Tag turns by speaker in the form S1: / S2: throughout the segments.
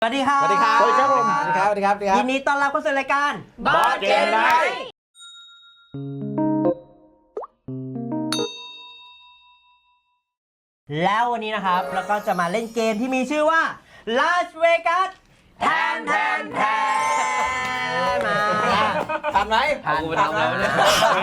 S1: สวัสดีครับ
S2: สวัสดีครับ
S3: สวัสดีครับผม
S2: สวัสดีครับสวัสดีครับ
S1: ยินดีต้อนรับเข้าสู่รายการ
S3: Board Game Night
S1: แล้ววันนี้นะครับเราก็จะมาเล่นเกมที่มีชื่อว่า Las Vegas แทนมา
S2: ทันไหม
S1: ทันแล้วเนี่ย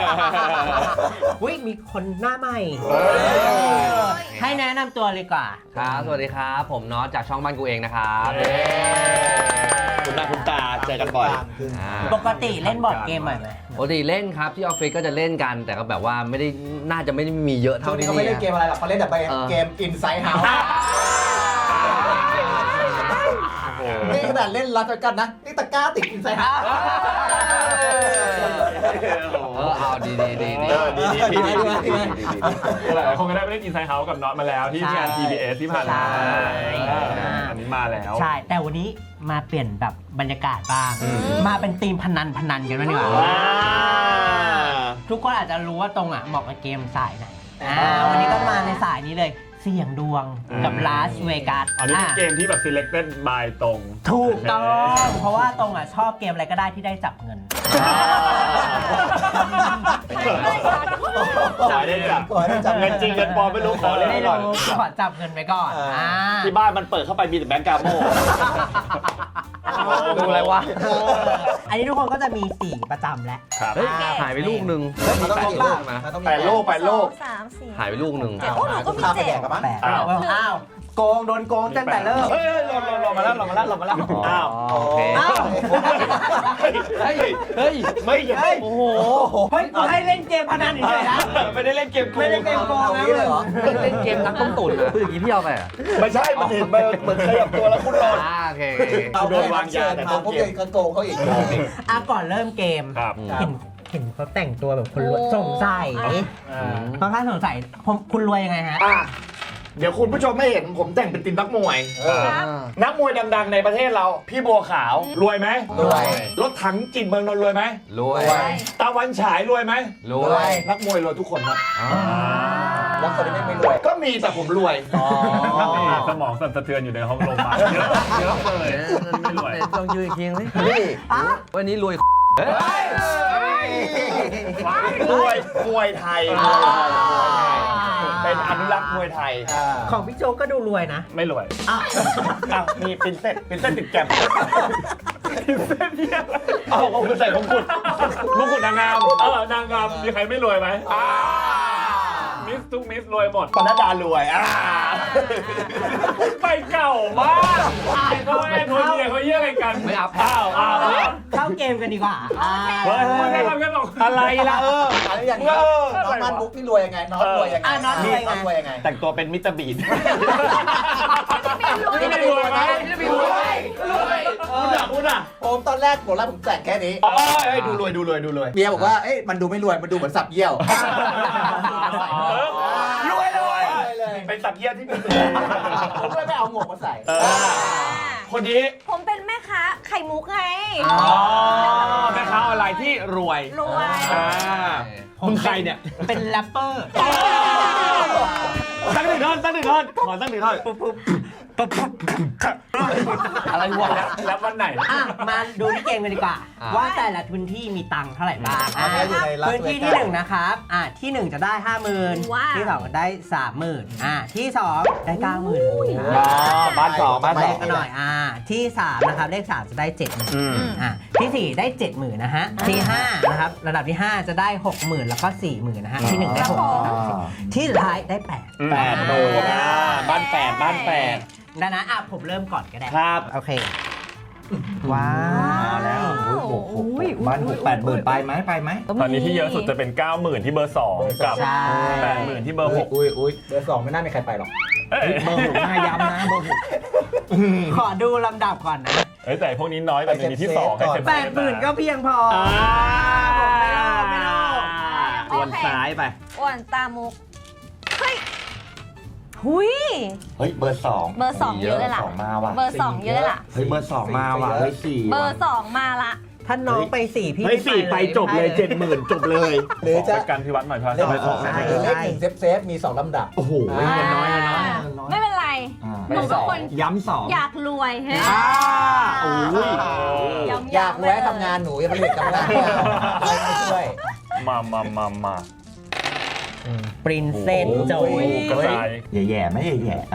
S1: มีคนหน้าใหม่ให้แนะนำตัวเลยดีกว่า
S4: ครับสวัสดีครับผมน็อตจากช่องบ้านกูเองนะครับ
S3: คุณหน้าคุณตาเจอกันบ่อย
S1: ปกติเล่นบอร์ดเกมบ่อยไหม
S4: ปกติเล่นครับที่ออฟฟิศก็จะเล่นกันแต่ก็แบบว่าไม่ได้น่าจะไม่ได้มีเยอะ
S2: ช่ว
S4: เท่าง
S2: นี้
S4: ที่
S2: เขาไม่เล่นเกมอะไรหรอกเขาเล่นแต่เกม Inside House นี่ขนาดเล่นลัสกันนะ นี่ตะกร้าติด Inside House
S4: เอาดี
S5: หลายคนก็ได้ไปเล่นอินไซด์เฮาส์กับน็อตมาแล้วที่งาน TBS ที่ผ่านมาอันนี้มาแล้ว
S1: ใช่แต่วันนี้มาเปลี่ยนแบบบรรยากาศบ้างมาเป็นธีมพนันกันบ้างดีกว่าทุกคนอาจจะรู้ว่าตรงเหมาะกับเกมสายไหนวันนี้ก็มาในสายนี้เลยเสี่ยงดวงกับลาสเวกัส
S5: อันนี้เป็นเกมที่แบบ selected by ตรง
S1: ถูกต้องเพราะว่าตรงชอบเกมอะไรก็ได้ที่ได้จับเงิน
S3: ขอได้จับเงินจริงเงินปลอมไม่รู้ขอเล่น
S1: ไม่
S3: ก่อน
S1: รู้ขอจับเงินไปก่อน
S3: ที่บ้านมันเปิดเข้าไปมีแต่แบงก์กาโม่
S4: ดูอะไรวะ
S1: อันนี้ทุกคนก็จะมีสีประจำแล้ว
S5: ครับ
S4: เฮ้ยหายไปลูกหนึ่ง
S2: มันต้องมีลูกนะต้องมี
S3: 8 โลก
S6: สามสี่
S4: หายไปลูกหนึ่ง
S6: โอ้หนูก็มีเจ็ด
S2: กับมั้ง
S1: แปลกอ้าวโกงโดนโกงตั้งแต่เริ่ม
S3: เฮ้ยลงมาแล้วอ้าว
S4: โอเค
S1: อ้าว
S4: เฮ้ย
S3: ไม่ใช่
S4: โอ้โห
S1: เฮ้ยกูให้เล่นเกมพนันเฉยๆนะ
S3: ไม่ได้เล่นเกม
S1: ไม่ได้เกมโกงนะ
S2: เลยเหรอ
S4: เล่นเกมนักต้มตุ๋นอะพูดอย่างนี้พี่เอาไปอะ
S3: ไม่ใช่มันเห็นเหมือนขยับตัวแล้วคุณโดน
S4: โอเค
S3: โดนวางยาแต่ต้น
S2: พวก
S3: เก
S2: เก
S3: ม
S2: มโกงเขาอีก
S1: ก่อนเริ่มเกม
S5: ครับ
S1: เห็นเขาแต่งตัวแบบคนรวยสงสัยค่อนข้างสงสัยคุณรวยยังไงฮะ
S3: เดี๋ยวคุณผู้ชมไม่เห็นผมแต่งเป็นทีมนักมวย นักมวยดังๆในประเทศเราพี่บัวขาวรวยไหม
S2: รวย
S3: รถถังจิตเมืองนนท์รวยไหม
S4: รวย
S3: ตะวันฉายรวยไหม
S4: รวย
S3: นักมวยรวยทุกคนครับ
S2: แล้วคนที่ไม่รวย
S3: ก็มีแต่ผมรวย
S5: สมองสั่นสะเทือนอยู่ในห้องโรงพยาบาลเยอะเลยไม่รวย
S4: ต้องยืนอีกทีนึงสิ
S2: นี่
S4: วันนี้รวย
S3: รวยมวยไทยเป็นอนุรักษ์มวยไทย
S1: ของพี่โจก็ดูรวยนะ
S5: ไม่รวย
S3: อ้าวมีปินเส้นติดแกม
S5: เส้นเนี่ย
S3: เอาของคุณใส่ของคุณ
S5: มงกุฎนางงามนางงามมีใครไม่รวยไหมมิสทุกมิสรวยหมด
S3: ปนัดดารวย
S5: ไปเก่ามากเขาแอนโทเนียเขาเยี่ยอะไรกัน
S4: ไม่อัพ
S5: อ้าว
S1: เข้าเกมกันดีกว่า
S5: เฮ้ยไม่ได้ทำกันหรอก
S3: อะไรล่ะ
S2: อะไรอย่างนี้น้องมันบุ๊กนี่รวยยังไงน้องรวยยังไงน้องรวยยังไง
S3: แต่งตัวเป็นมิสเตอร์บีน
S5: ไม่รวยไหม
S3: คุณอ่ะ
S2: ผมตอนแรกผมแต่งแค่นี้
S3: ดูรวย
S2: เมียบอกว่าเอ๊ะมันดูไม่รวยมันดูเหมือนสับเยี่ยว
S3: รวยเป็นสัตว์เยี่ยที่มี
S2: ผมเลยไม่เอาหมวกมาใส่
S3: คนนี้
S6: ผมเป็นแม่ค้าไข่มุกไง
S3: แม่ค้าออนไลน์ที่รวย
S6: รวย
S3: มึงใครเนี่ย
S1: เป็นแรปเปอร์
S3: ตั้งหนึ่งท่อนขอตั้งหนึ่งท่อน
S4: อะไรวะ
S5: แล้ววันไหน
S1: มาดูที่เกมกันดีกว่า ว่าแต่ละพื้นที่มีตังค์เท่าไหร่บ้างพื้นที่ที่1นะครับที่1จะได้ 50,000ที่2ก็ได้ 30,000ที่2ได้ 90,000
S3: บ้านสอง
S1: เลขกันหน่อยที่3นะครับเลข3จะได้ 70,000ที่4ได้ 70,000นะฮะที่5นะครับระดับที่5จะได้ 60,000แล้วก็ 40,000นะฮะที่1ได้60,000ที่สุดท้ายได้8
S3: 8โมงบ้าน8
S1: ดังนั้นผมเริ่มก่อนก็ได้
S3: ครับ
S1: โอเคว้าวแล้ว
S2: บ้าน60,000ไปไหม
S5: ตอนนี้ที่เยอะสุดจะเป็น 90,000 ที่เบอร์ 2 กับ 80,000 ที่เบอร์ 6
S2: อุ้ยเบอร์ 2ไม่น่ามีใครไปหรอกเบอร์6น่าย้ำนะเบอร์6
S1: ขอดูลำดับก่อนนะ
S5: แต่พวกนี้น้อยแต่มีที่2ให้เซฟ
S1: 80,000ก็เพียงพอไม่รอ
S3: วนซ้ายไป
S6: อ้วนตามุก เฮ้ย หุย
S3: เฮ้ยเบอร์2
S6: เบอร์ 2 เยอะเลยล่ะ
S3: มาว่ะ
S6: เบอร์ 2 เยอะเลยล่ะ
S3: เฮ้ยเบอร์ 2 มาว่ะเฮ้ย4
S6: เบอร์ 2 มาละ
S1: ถ้าน้องไป4พี่
S3: เฮ้ย4ไปจบเลย 70,000 จบเลย
S2: หรือจะ
S5: เป็นการพิวัตรหน่อยเพราะ
S2: เลขหนึ่งเซฟมี2ลำดับ
S3: โอ้โหเงินน้อย
S6: ไม่เป็นไรหนูเป็นคน
S2: ย้ำสอง
S6: อยากรวยฮะ
S2: โอ้ย
S6: ย้ำๆ
S2: อยากแวะทำงานหนูยังไม่ได้กำลังไม่ช่วย
S5: มา
S1: ปรินเซสโจย
S5: กระจาย
S2: แย่ๆไม่แย่ๆ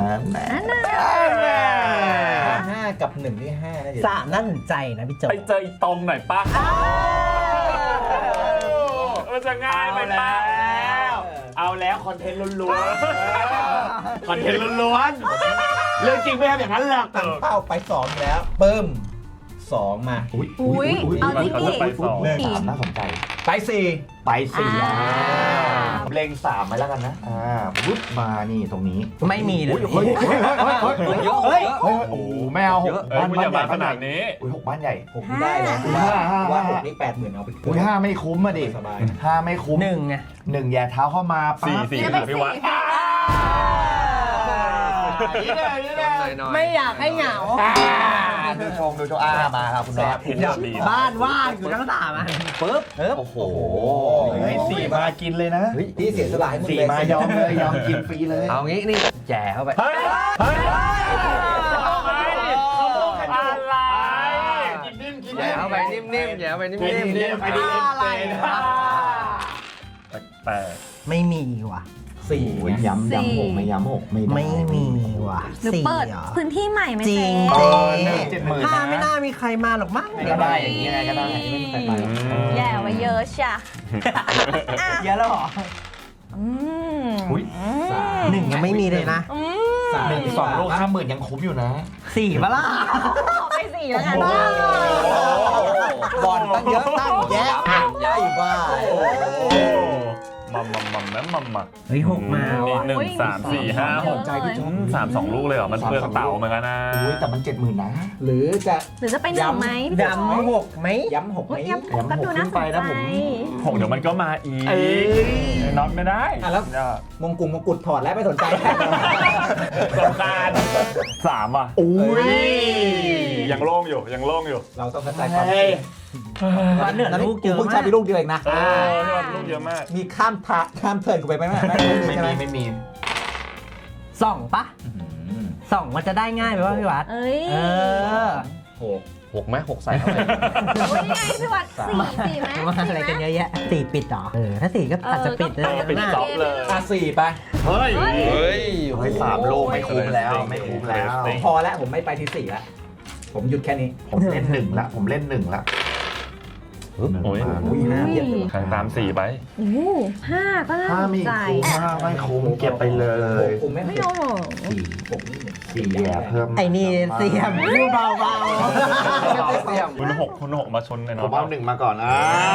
S2: 5 กับ 1 ที่ 5นะเดี๋ยว
S1: สามน่าสนใจนะพี่โจ
S5: ไปเจออีตรงหน่อยป่ะมันจะง่ายไปป่ะ
S3: เอาแล้วคอนเทนต์ล้วนๆคอนเทนต์ล้วนๆเรื่องจริงไม่ทำอย่างนั้นหรอก
S2: ตั้งเป้าไป2แล้วปึ้ม2 มา
S6: อุ้ยเอาจริงดิ
S5: ไปสอง
S3: 3น่าสนใจ
S2: ไป4
S3: ไป4เล็ง3ไปแล้วกันนะปุ๊บมานี่ตรงนี้
S1: ไม่มีเลย
S2: เฮ้ย
S3: เฮ้ยโอ้โหไม่เอา6
S5: เอ้ยคุณอย่ามาขนาดนี้
S3: 6 บ้านใหญ่
S2: 6นี่ได้แล้วว่า6นี่80,000เอาไป
S3: อุ้ย5ไม่คุ้มอ่ะดิ
S2: สบาย
S3: 5ไม่คุ้ม
S1: หนึ่งไง
S3: 1แย่เท้าเข้ามา
S5: สี่
S6: จะ
S5: ค่ะ
S6: ไป
S5: พี่วัด
S1: ไม่อยากให้เหงา
S3: ดูชมมาครับคุณน็อต
S5: เห็นอย่างดี
S1: บ้านว่างอยู่ทั้งสามอันปึ๊บ
S3: โอ้โห4มากินเลยนะ
S2: ที่เสียสละให้มึง
S3: 4มายอมเลยยอมกินฟรีเลย
S4: เอางี้นี่แย่เข้าไป
S5: เฮ้ยอะไร
S4: แย่เข้าไปนิ่มๆแย่เข้าไปนิ่ม
S5: แปลก
S1: ไม่มีว่ะ
S2: 4
S3: ย้ำ6ไม่ย้ำ6ไม่ได้
S1: ไม่มีว่ะ
S6: หรือ
S1: สี่
S6: เปิด
S1: เหรอ
S6: พื้นที่ใหม่ไหม
S1: จริ
S6: เจ๊
S1: ง
S3: 70,000
S1: ถ้าไม่น่ามีใครมาหรอกมั้ง
S3: ก็ได้อย่างนี้ไงก็ได้ไม่มีใครไป
S6: แย่ไว้เยอะช่ะ
S1: เยอะแล้วเหรอ
S6: อืม
S3: อุ้ย
S1: หนึ่งยังไม่มีเลยนะ
S6: อืม
S3: 2 ลูก 50,000ยังคุ้มอยู่นะ
S1: สี่ปะล่ะ
S6: ขอไปสี่แล้วกัน
S2: บอลตั้งเยอะตั้งแยะใหญ่บ้า
S5: มา
S1: เฮ้ยหกมา
S5: นี่
S1: ว่ะ
S5: 1 3 4 5 6
S2: ใจพี่ชม
S5: 3 2 ลูกเลยเหรอ มันเปลืองเต๋าเหมือนกันนะ
S3: อุ้ยแต่มัน 70,000นะ
S2: หรือจะ
S6: หรือจะไปหนึ่งไหม
S1: ดำหกไหม
S2: ย้ำ6ไหม
S6: โอ้ยย้ำก็ดูน่าสนใจ
S5: 6เดี๋ยวมันก็มาอีกน็อตไม่ได้
S2: แล้วมงกุฎถอดแล้วไม่สนใจ
S5: สำคัญ3อ่ะ
S3: อุ้ย
S5: ยังโล่งอยู่
S2: เราต้องเข้าใจความจริง
S1: ว่าเหลือลูกเยอะ
S2: เพิ่ง
S1: มา
S2: ใช้
S1: ก
S2: ไปลูกเดียวเองนะ
S5: พี่วัดลูกเยอะมาก
S2: มีข้ามเทิร์นกูไปไหมไม่มี
S1: สองปะสองมันจะได้ง่ายไหมวะพี่วัด
S6: เอ้ย
S1: เออ
S4: 6ไหม6ใส่เข้าไป
S6: โอ้ยนี่ไงพี่วัดสี่ไหม
S1: มาอะไรกันเยอะแยะสี่ปิดเหรอถ้าสี่ก็อาจจะปิดเลย
S5: ปิด
S1: นะ
S5: จ็อบเลย
S2: 4 ไป
S5: เฮ้ย
S4: เฮ้ย
S3: เฮ้ย3 ลูกไม่คุ้มแล้วไม่คุ้มแล้ว
S2: พอแล้วผมไม่ไปที่4แล้วผมหยุดแค่นี้
S3: ผมเล่น1ละผมเล่น1ละ
S5: โอ้ย
S2: อุ้ย5เยอะ
S5: ใครตาม4ไป
S6: โอ้โห5ก็น่า
S3: ถ้า
S6: สน
S3: ไม่
S6: ใจ
S3: คุ้ม5ไม่คุ้มเก็บไปเลย
S2: ผมไม่
S6: ไม่เอาหรอ
S3: 4แย่เพิ่ม
S1: ไอ้นี่เสียมพูดเบา
S5: คุณหกมาชนไอ้น็
S3: ผ
S5: อ
S3: ม
S5: ต
S3: เอา1มาก่อน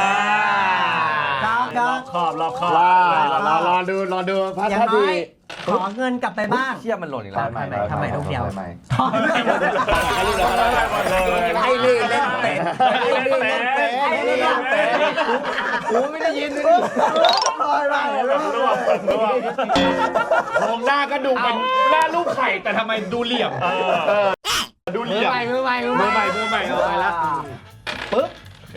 S1: ก็
S5: รอบคอบ
S3: รอดูพัฒ
S1: อย่าง
S3: นา
S1: น้
S3: ดี
S1: อยขอเงินกลับไปบ้าง
S4: เชี่ยมันหล่นอีกแล้ว
S1: ทำไมลูกเดียว
S2: ไอ้นี่เล่นเป็ด
S4: กูไม่ได้ยินเลย
S3: มองหน้าก็ดูเป็นหน้าลูกไข่แต่ทำไมดูเหลี่ยมดูเหลี่ยมมือใหม่เอาไปแล้ว
S5: โอเค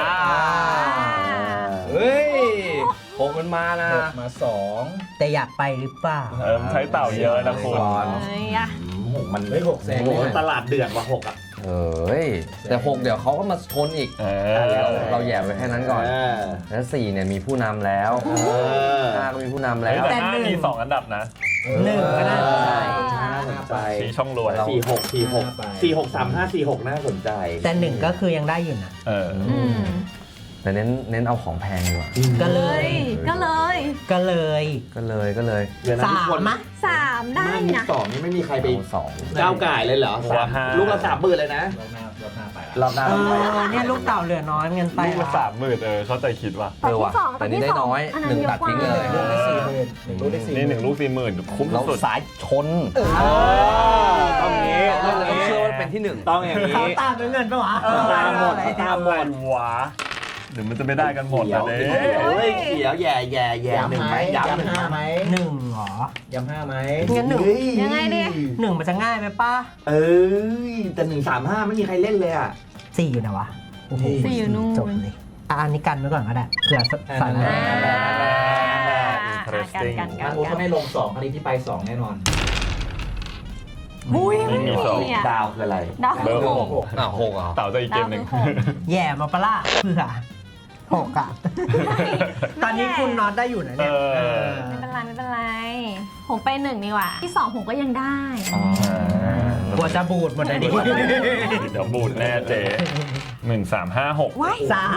S4: เฮ้ย6มันมานะ
S2: มา2
S1: แต่อยากไปหรือเปล่า
S5: ใช้เต่าเยอะนะคุณ
S6: เอ้ยอะ
S3: มัน
S2: เฮ้ย6แสน
S3: โอ้โหตลาดเดือดว่ะ6อ่ะ
S4: เฮ้ยแต่6เดี๋ยวเขาก็มาชนอีกเราแย่ไปแค่นั้นก่อนแล้ว4เนี่ยมีผู้นำแล้ว5ก็มีผู้นำแล้ว
S5: แต่5มี2อันดับนะ
S1: หนึ่งก็น่าสนใจ
S3: ไป
S5: สีช่องรวย
S3: 46 35 46น่าสนใจ
S1: แต่หนึ่งก็คือยังได้อยู่นะ
S6: อืม
S4: แต่เน้นเอาของแพงดีกว่า
S1: ก็เล
S6: เฮ้
S1: ย
S6: ยก็เลย
S1: ก็เลย
S3: เดี๋ยวนะ
S1: สา
S3: ทุก
S1: ม
S3: คน
S1: มะ
S6: 3ได้
S3: มุก
S6: นะ
S3: 2นี่ไม่มีใครไป
S4: เอา2
S3: ก้าวไก่เลยเหรอลูกละ30,000เลยนะ
S2: รอบหน้าไปละ
S3: รอบหน้า
S1: เนี่ยลูกเต่าเหลือน้อยเงินไป
S5: ลูกละ30,000เข้าใจคิดว่ะ
S4: ว่ะแต่นี่ได้น้อย1ตัดทิ้งเลย
S2: ลูกได้40,000 ลูกได้40,000
S5: นี่1 ลูก 40,000คุ้ม
S4: เรา
S5: สุด
S4: สายชน
S3: ต้องงี้
S4: เราต้องเชื่อว่าเป็นที่1
S3: ต้องอย่าง
S1: เขา
S3: นี้
S1: ตามด้วยเงินปะวะ
S3: ตามหมด
S5: อะไรวะเดี๋ยวมันจะไม่ได้กันหมด
S3: เขีย
S5: นะ
S3: ว
S5: เด้
S3: เฮ้ยเขียวแย่หนึ่งไหมย้ำหนึ่ง
S2: 5ไหม
S1: หนึ่งเหรอ
S2: ย้ำ5ไหม
S1: งั้นหนึ่ง
S6: ยังไงดิ
S1: หนึ่งมันจะง่ายไหมป้า
S3: เอ้ยแต่135ไม่มีใครเล่นเลยอ่ะ
S1: สี่อยู่นะวะโอ้โห
S6: สี่อยู่นู่น
S1: จบเลยอันนี้กันไว้ก่อนก็ได้เผื่อสายหน้า
S6: กัน
S2: ทางกูเขาให้ลง2อันนี้ที่ไป2แน่นอน
S6: อุ้ย
S5: ยิงอยู่สอง
S6: เนี่ย
S2: ดาวคืออะไร
S6: ดาว
S5: เบอร์
S4: หกหกเหรอ
S5: เต่าจะอีกเกมหนึ่ง
S1: แย่มาปะล่ะเพื่อหกอ่ะ ตอนนี้คุณน็อตได้อยู่นะเนี่ย
S6: ไม่เป็นไรไม่เป็นไร ผมไป1ดีกว่า ที่2ผมก็ยังได้
S1: กลัวจะบูดหมดเลยดิ
S5: เดี๋ยวบูดแน่เจ๊1356
S6: ว้าย
S1: สาม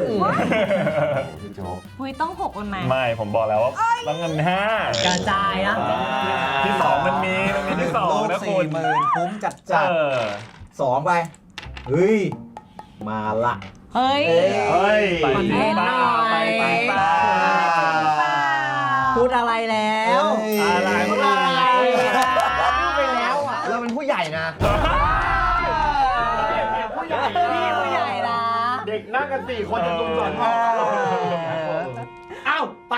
S6: อุ้ยต้อง6มันไหม
S5: ไม่ผมบอกแล้วว่าต้องเงิน
S1: กระจายนะ
S5: 5ที่2มันมีที่2
S2: ลูก
S5: นะคุณ
S2: 40,000คุ้มจัดจัด
S5: เออ
S2: 2ไปเฮ้ยมาละ
S6: เฮ้ย
S3: เฮ้ย
S5: ไป
S1: เล่นหน่อย
S2: ไป
S1: พูดอะไรแล้ว
S2: อะไร
S1: พูดอะไรพูดไปแล้วอ่ะ
S4: เราเป็นผู้ใหญ่นะ
S1: ผู้ใหญ่พี่ผู้ใหญ่นะ
S3: เด็กนั่งกัน4 คนจะตุ้มสอนพ่อ
S1: เอ้าไป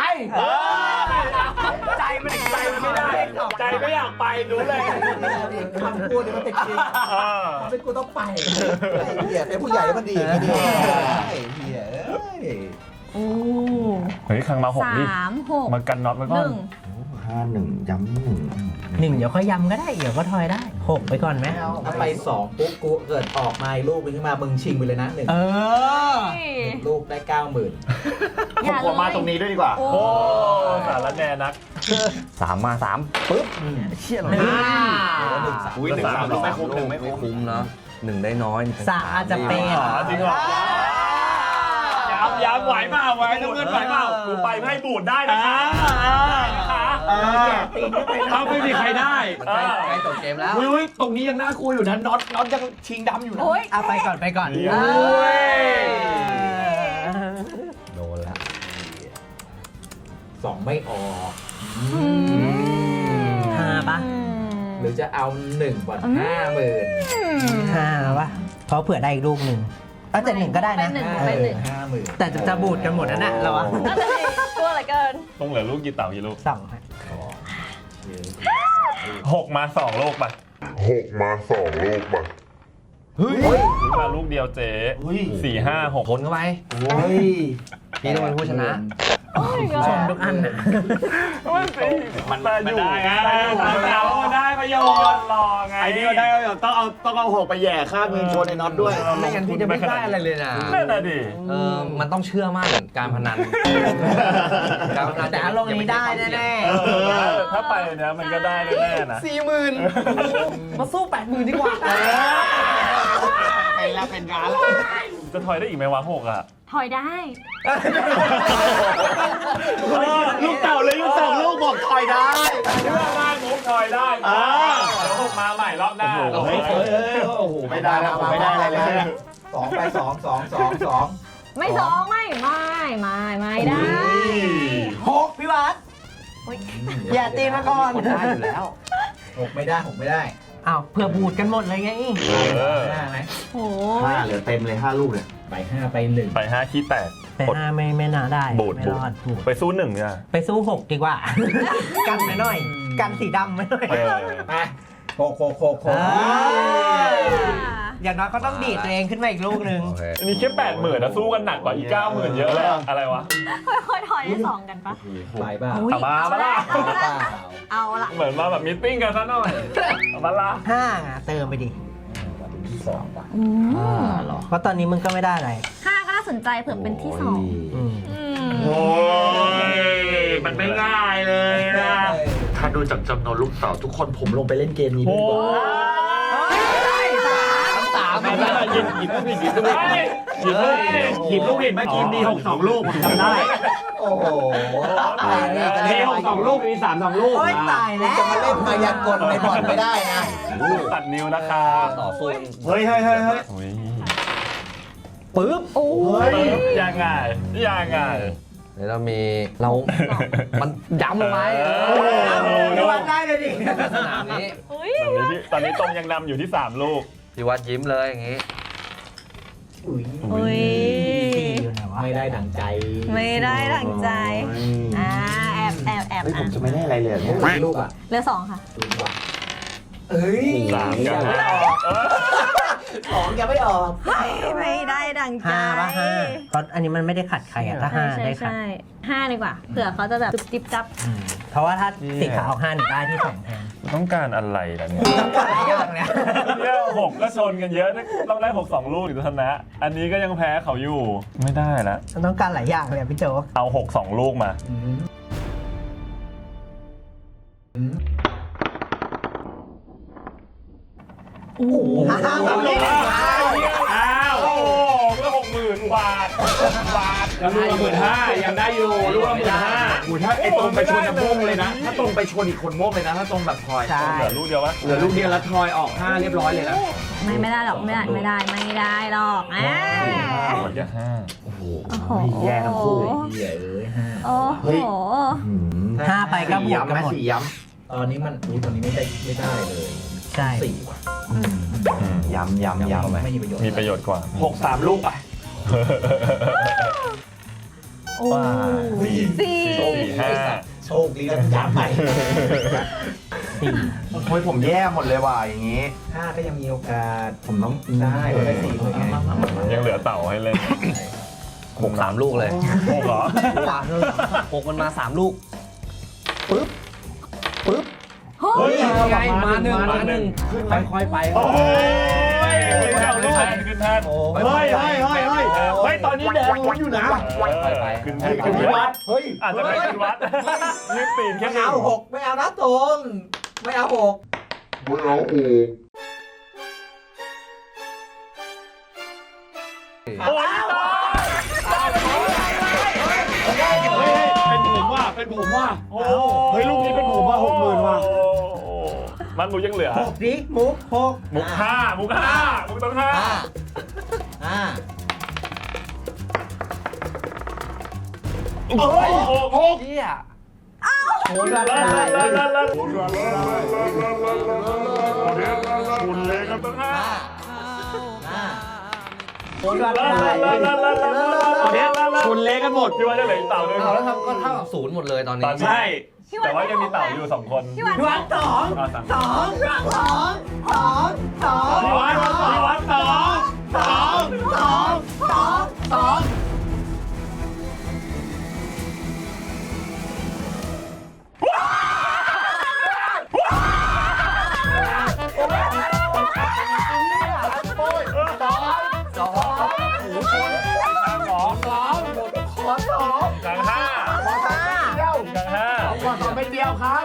S3: ใจมันไม่ได้ ใจไม่อยากไปดูเลย
S2: คำพูดเนี่ยมันเป็นจริง
S5: เออ
S2: มันเป็นกูต้องไปเหี้ยเป็นผู้ใหญ่แล้วมันดีอย่างนี้ดิเหี้ยเอ้ย
S6: โอ้
S5: เฮ้ยครั้งมา6ดิ
S6: 3 6
S5: มากันน็อตไว้ก่อน
S2: 51ย้ำ1
S1: หนึ่งเดี๋ยวค่อยยำก็ได้เดี๋ยวก็ทอยได้หกไปก่อนไหม
S2: ถ้าไป2ปุ๊บกูเกิดออกมาอีกลูกนึงขึ้นมามึงชิงไปเลยนะ1
S1: เออ
S2: ลูกได้ 90,000
S6: อย่า
S3: ผมมาตรงนี้ด้วยดีกว่า
S6: โอ้
S5: โอ้สารแน่นัก
S4: 3 มา 3ปึ๊บเชี่ยเหรอ
S3: อุ้ย1-3ลูกไม่คุ้ม1ไม่คุ้ม
S4: คุ้มนะ1ได้น้อย
S1: สามอาจจะเป็น
S5: จริงเหรอย้ำไหวเปล่าไหวน้ำเงินไหวเปล่ากูไปไม่ให้บูดได้นะคะถ้าไม่มีใครได้
S4: ใกล้จบเกมแล้ว
S3: อุ้ยตรงนี้ยังน่ากลัวอยู่นะน็อตยังชิงดำอยู่นะ
S6: โอ้ย
S1: เอาไปก่อนไปก่อน
S5: โอ้ย
S4: โดนแล้ว
S2: 2ไม่ออก
S1: ห้าปะ
S2: หรือจะเอา1ก่อน 50,000
S1: ห้าปะเพราะเผื่อได้อีกลูกหนึ่งเอาแต่หนึ่งก็ได้นะ
S6: ไปหนึ่ง
S2: 50,000
S1: แต่จะบูดกันหมดนั่นแหละเราอะ
S6: นั่นน่ะสิกลัวเหลือเกิน
S5: ต้องเหลือลูกกี่เต่ากี่ลูก
S1: สองฮะ
S5: 6 มา 2 ลูกป่ะ
S7: 6 มา 2 ลูกป่ะ
S5: มาลูกเดียวเจ๊4 5 6
S4: ทนเข้าไป
S2: โอ้ย
S4: พี่ต้องเป็นผู้ชนะ
S6: โอ้ย
S1: ชมทุกอันนะ
S5: มันได้ไงเราได้ประโยชน์รอไง
S3: ไอ้นี่ก็ได้ต้องเอา6ไปแย่ข้างนึงชนไอ้น็อตด้วย
S4: ไม่งั้นพี่จะไม่ได้อะไรเลยนะ
S5: นั่นน่ะดิ
S4: มันต้องเชื่อมั่นการพนัน การพนัน
S1: แต่อารมณ์นี้ได้แน่
S5: ถ้าไปเนี้ยมันก็ได้แน่ๆนะ
S1: ๆมาสู้80,000ดีกว่า
S3: เป็นแล้วเป็นงานแล้ว
S5: จะถอยได้อีกไหมวะ6อ่ะ
S6: ถอยได้
S3: ลูกเต่าเลยลูก2ลูกบอกถอยได้
S5: เชื่อมากมุกถอยได้เดี๋ยว6มาใหม่รอบหน้า
S3: โอ้โหไม่ได้แล้วไม่ได้อะไรเลย
S2: 2ไป2
S6: ไม่สองไม่ได้
S1: หกพี่วัดอย่าตีมาก่อน
S4: คนได้อยู่แล้ว
S2: 6ไม่ได้
S1: อ้าวเผื่อบูดกันหมดเลยไง
S2: 5ไหม
S6: โอ้
S3: 5เหลือเต็มเลย5ลูกเนี่ย
S2: ไป5ไป1
S5: ไป5ขี้แตก
S1: แต่ห้าไม่น่าได้
S5: บูด
S1: ไม่รอดบูด
S5: ไปสู้1เนี่ย
S1: ไปสู้6ดีกว่า กันไปหน่อย กันสีดำไปหน่อย
S2: ไป6
S1: อย่างน้อยก็ต้องดีดตัวเองขึ้นมาอีกลูกหนึ่ง
S4: โอเค
S5: อันนี้แค่80,000นะสู้กันหนักกว่าอีก90,000เยอะเลยอะไรวะ
S6: ค่อยๆถอยให้สองกันปะ
S2: ไปเปล่า
S6: อุ๊ย
S5: เอามา
S6: เอาละ
S2: ไปเปล่า
S6: เอาละ
S5: เหมือนมาแบบมีตติ้งกันซะหน่อยเอามาละ
S1: ห้าอ่ะเติมไปดิ
S2: ที่2ป่ะ
S6: อืม
S1: เพราะตอนนี้มึงก็ไม่ได้อะไร
S6: ห้าก็น่าสนใจเผื่อเป็นที่สอง
S1: อืม
S3: โอ้ยมันไม่ง่ายเลยนะถ้าดูจากจำนวนลูกเต่าทุกคนผมลงไปเล่นเกมนี้ด้วยดีกว่า
S5: ไม่ได้หยิบลูกผิดหยิบลูกผิดหยิบลูกผิด
S3: เมื่อกี้มี62ลูกผมจำได้
S2: โอ้โห
S3: มี62ลูกมี32ลูก
S1: โอ๊ยตายแล้ว
S2: จะมาเล่นมายากลในบอลไม่ได้นะ
S5: ตัดนิ้วนะคะ
S4: ต่อสู้
S3: เฮ้ย
S1: ปึ๊บ
S6: โอ้ย
S5: ยังไง
S4: เดี๋ยวเรามีมันย้ำลงไป
S1: พี่วัดได้เลยดิ
S4: สนามนี้
S6: อุ้ย
S5: ตอนนี้ตรงยังนำอยู่ที่3ลูก
S4: พี่วัดยิ้มเลยอย่างงี้
S6: อุ้ย
S1: อยู่ไหนวะ
S2: ไม่ได้ดังใจ
S6: ไม่ได้ดังใจแอบ
S3: เฮ้ยผมจะไม่ได้อะไรเลยเนี่ย
S2: ลูกอ่ะ
S6: เหลือสองค่ะ
S2: เอ้ย
S5: 3กัน
S2: ไม่ออกของยังไม่ออก
S6: ไม่ได้ดังใจ
S1: 5 ป่ะ 5เพราะอันนี้มันไม่ได้ขัดใครอะถ้า 5 ได้ขัด
S6: ใช่5ดีกว่า เผื่อเขาจะแบบจุ๊บจิ๊บจับ
S1: เพราะว่าถ้าสีขาว5หนึ่งได้ที่2แทน
S5: ต้องการอะไรล่ะเนี่ย
S1: อย่างเนี้ย
S5: เนี่ย6ก็ชนกันเยอะต้องได้6 2 ลูกถึงจะชนะ อันนี้ก็ยังแพ้เขาอยู่ไม่ได้แล้ว
S1: มันต้องการหลายอย่างเลยอะพี่โจ๊ก
S5: เอา6 2 ลูกมา อ้าวโอ้ก็60,000 บาท
S3: แล้วลูกละ15,000ยังได้อยู่ลูกละ15,000ถ้าไอ้ตรงไปชนจะม่วงเลยนะถ้าตรงไปชนอีกคนม่วงเลยนะถ้าตรงแบบทอย
S1: ใช่
S5: เหลือลูกเดียววะ
S3: เหลือลูกเดียวแล้วทอยออก5เรียบร้อยเลยนะ
S6: ไม่ได้หรอกไม่ได้หรอก
S5: อย่า
S6: โอ้โห
S2: แย่ทั้งคู่เหี้ยเอ้ย5
S6: โอ้โห
S1: 5ไปก็บวกกันหมด
S3: 4 ย้
S2: ตอนนี้มันตอนนี้ไม่ได้เลย
S1: ใช่
S2: 4 ว่ะ
S3: ำย้ำ
S2: ไม่มีประโยชน์
S5: มีประโยชน์กว่า
S3: 6 3 ลูกอ่ะ
S6: โอ้สี่
S2: โชคดีแล้วย้ำใหม่
S3: โอ้ยผมแย่หมดเลยว่ะอย่างงี้
S2: 5ก็ยังมีโอกาส
S3: ผมต้อง
S2: ได้ได้4เลยไง
S5: ยังเหลือเต่าให้เล่น
S4: 6 3 ลูกเลย
S5: 6เหรอ
S4: 6มันมา 3 ลูก
S5: เฮ้ย
S4: ไงมาหนึ่งค่อยๆไป
S5: โอ้ยขึ้นแทนขึ้นแทน
S3: เฮ้ยตอนนี้แดงลุ้นอยู่นะ
S5: ขึ้นแทน
S3: ขึ้นวัดเฮ้ย
S5: อาจจะเป็นขึ้นวัดยืดตีนแค่
S2: ไม่
S5: นี้
S2: เอา6ไม่เอานะตรงไม่เอา6
S7: ไม่เอาโอ้
S5: โอ้ย
S3: เป็นผมว่ะ
S5: โอ้
S3: เฮ้ยลูกนี้เป็นผมว่ะ60,000ว่ะ
S5: มันมุกยังเหลือ
S1: 6ดิมุก6
S5: มุก5มุกต้อง5 โอ้ย6
S4: เหี้ย
S1: โหดร้าย
S5: คุณเล็กก็ต้อง5
S1: โหดร้าย
S3: ชนเละกันหมด
S5: พี่ว่าจะเหลือเต่าด้วย
S4: เอาแล้วก็เท่ากับ0หมดเลยตอนนี้
S5: ใช่ แต่ว่ายังมีเต่าอยู่2 คน
S6: พี่หวาน
S1: พี่วัด2
S5: พี่วัดกลาง5
S3: ต่อไปเดียวครับ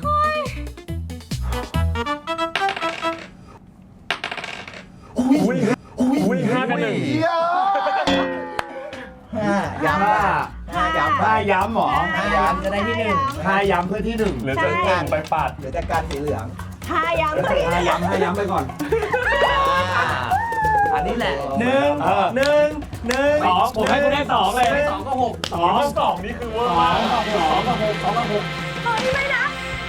S5: อุ้ย5 กับ 1
S2: ย้ำว่าย้ำ
S3: ถ้าย้ำหรอ
S2: ย้ำจะได้ที่1
S3: ถ้าย้ำเพื่อที่ 1
S5: หรือจะ1ไปปัด
S2: เหลือแต่การสีเหลือง
S6: ถ้าย้ำ
S3: ถ้าย้ำไปก่อน
S4: อันนี้แหละ
S5: 2ผมให้คุณได้2เลย
S4: 2ก็6
S5: 2นี่คือเวอร์มาก
S6: เฮ้ยไม่นะ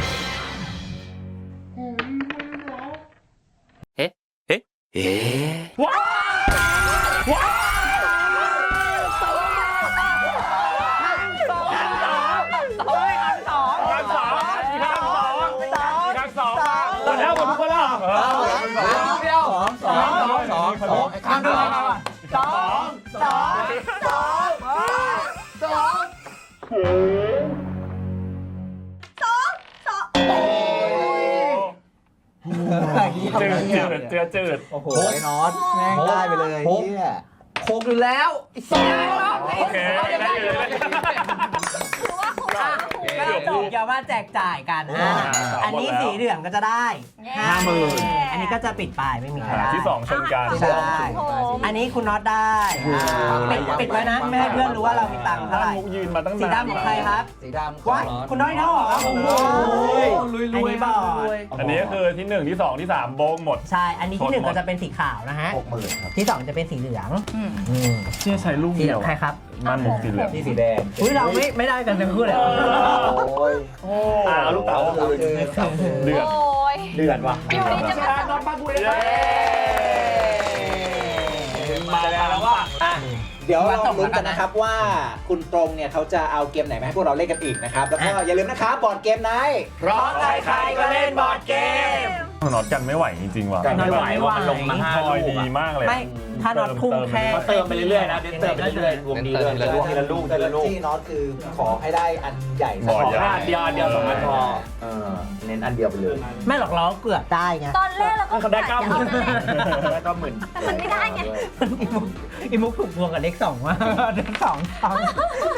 S5: แล้วหมดทุกคนแล้ว
S2: 2ข้ามด้วย
S5: จืด
S2: โอ้โหไอ้น็อตแม่งได้ไปเลยเฮีย
S4: 6อยู่แล้วไอ้สัส
S5: โอเคได้เลย
S6: คือว่าผม
S1: ก็จบอย่าว่าแจกจ่ายกันอันนี้สีเหลืองก็จะได้ 50,000อันนี้ก็จะปิดปลายไม่มีใครได้
S5: ที่2ชนกัน
S1: ใช่ อันนี้คุณน็อตได้ปิดไว้นะไม่ให้เพื่อนรู้ว่าเรามีตังค์เท่าไหร่
S5: มุกยืนมาตั้ง
S1: สี
S5: นาน
S1: ดำของใครครับ
S2: สีดำ
S1: ว้ายคุณน้อยเท่าเหรอโอ้โห
S4: ลุย
S1: อันนี้บอด
S5: อันนี้ก็คือที่1ที่2ที่3โบงหมด
S1: ใช่ อันนี้ที่1ก็จะเป็นสีขาวนะฮะ
S2: 60,000ครับ
S1: ที่2จะเป็นสีเหลือง
S5: เชื่อใช้ลูก
S1: สีเหลืองใครครับ
S5: มันมุกสีเหลือง
S2: นี่สีแดง
S1: อุ้ยเราไม่ได้กันทั้งคู่เลย
S2: โอ้ย
S5: เอาลูกเต๋าเดือด
S6: โอ้ย
S3: เดือดว่ะ
S6: อยู่ดีจะมา
S5: มาแล้วว่า
S2: เดี๋ยวเราลุ้นกันนะครับว่าคุณตรงเนี่ยเขาจะเอาเกมไหนมาให้พวกเราเล่นกันอีกนะครับ แล้วก็อย่าลืมนะครับบอร์ดเกมไนท์
S1: เพราะใครๆก็เล่นบอร์ดเกม
S5: น็อตกันไม่ไหวจริงๆว่ะ
S3: กันไม่ไหวว่ามันลงมา
S5: ท
S3: 5
S5: อย
S3: ลูก
S5: ดี
S3: อะ
S5: มากเลย
S1: ไม่ถ้าน็อตทุ่มแค่
S3: เขาเติมไปเรื่อยๆนะเน้นเติมไปเรื่อยๆวงดีด้วยทีละลูกทีละลูก
S2: ที่น็อตคือขอให้ได้อันใหญ่
S5: บ่
S3: ข
S5: อ
S3: อ
S5: ใหญ่
S3: แค่อันเดียว2 อันพอเน้นอันเดียวไปเลย
S1: ไม่หรอกเราเกือบได้ไง
S6: ตอนแรกเราก็
S3: เขาได้
S6: กะจะเอานั่นแหละ
S3: แล้วก็หมื่น
S6: แต่มันไม่ได้ไง
S1: อีมุกถูกพวงกับเลข 2 ว่าเลข 2